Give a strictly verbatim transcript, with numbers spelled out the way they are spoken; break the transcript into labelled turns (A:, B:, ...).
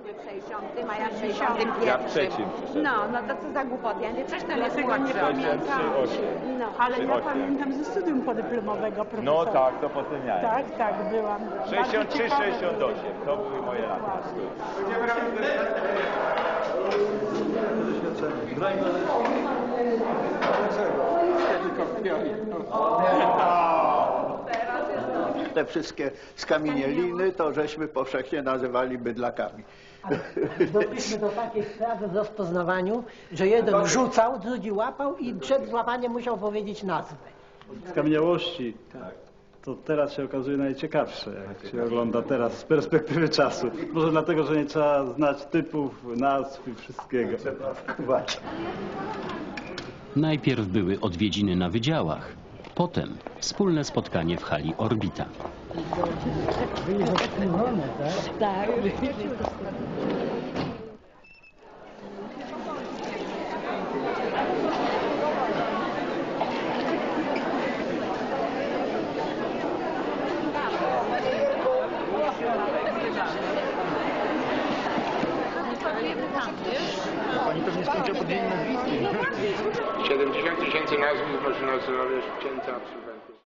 A: w sześćdziesiątym, a ja w sześćdziesiątym pierwszym.
B: Ja w trzecim.
A: No, no to co za głupoty. Ja nie przecież to jest
C: Tego nie
A: młodsza.
C: pamiętam.
A: No.
C: Ale ja pamiętam ze studium podyplomowego profesora.
B: No tak, to potem ja.
C: Tak, tak, byłam.
B: sześćdziesiąt trzy sześćdziesiąt osiem, to były moje lata.
D: Te wszystkie skamienieliny to żeśmy powszechnie nazywali bydlakami.
E: Doszliśmy do takiej sprawy w rozpoznawaniu, że jeden rzucał, drugi łapał i przed złapaniem musiał powiedzieć nazwę.
F: Skamieniałości to teraz się okazuje najciekawsze, jak się ogląda teraz z perspektywy czasu. Może dlatego, że nie trzeba znać typów, nazw i wszystkiego.
G: Najpierw były odwiedziny na wydziałach, potem wspólne spotkanie w hali Orbita.
E: Tak.
H: Pani pewnie skończyła podmienić nazwiski.
I: siedemdziesiąt tysięcy nazwisk można nazwać księdza absolwenta.